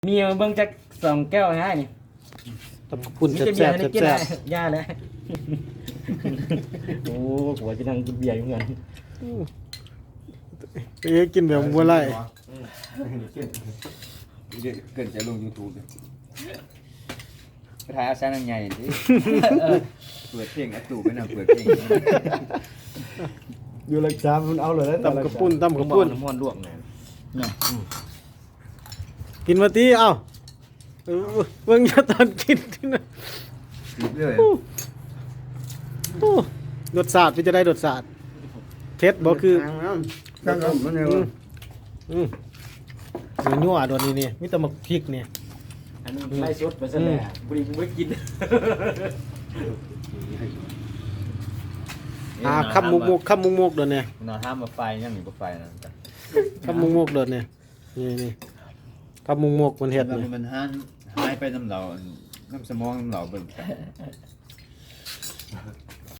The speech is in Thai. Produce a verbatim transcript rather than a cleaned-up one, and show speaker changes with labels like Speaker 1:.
Speaker 1: มีเบิ่งจักสองแก้วง่ายนี่
Speaker 2: ตำปุ่น
Speaker 1: มี
Speaker 2: แซ่
Speaker 1: แต่
Speaker 2: บ
Speaker 1: เบียร์
Speaker 2: แซ่บ
Speaker 1: นี่กิน
Speaker 2: แซ่บ
Speaker 1: ได้ยาแล้วโอ้หัวจะนั่งกินเบียร์อยู่เหมือนกัน
Speaker 2: เอ้ยกินแบบบัวไล่
Speaker 3: เดี๋ยวเกินจะลง YouTube เลยไปถ่ายอาซานังใหญ่ดิเปิดเพลงอะตู่ไปนั่งเปิดเพลง
Speaker 4: อยู่รักษามันเอาเลย
Speaker 2: ตำกระปุ่นตำกระปุ่น
Speaker 1: น้ำมันลวกไง
Speaker 2: กินมาตีเอ้าเออเบิ่งอย่าตอนกินที่นั่น
Speaker 3: ติดเลย
Speaker 2: โอ้รสชาติเป็นจะได้รสชาติเผ็ดบ่คือ
Speaker 3: ตั้งแต่มันเนี่ย
Speaker 2: อืมอืมเดี๋ยวยั่วโดนนี่นี่มีแต่หมักพริกนี่
Speaker 1: อันนี้ไล่สดไปซะแล้วบุรีไม่กิน
Speaker 2: อ่าคำมุกมุกคำมุกมุกโดนนี่
Speaker 3: นอนห้ามมาไฟยังหนีมาไฟนะ
Speaker 2: คำมุกมุกโดนนี่นี่นี่คำมุกมุกมันเห็ด
Speaker 3: มัน
Speaker 2: นี่
Speaker 3: มันหายหายไปน้ำเหล่าน้ำสมองน้ำเหล่าเบิ่งกัน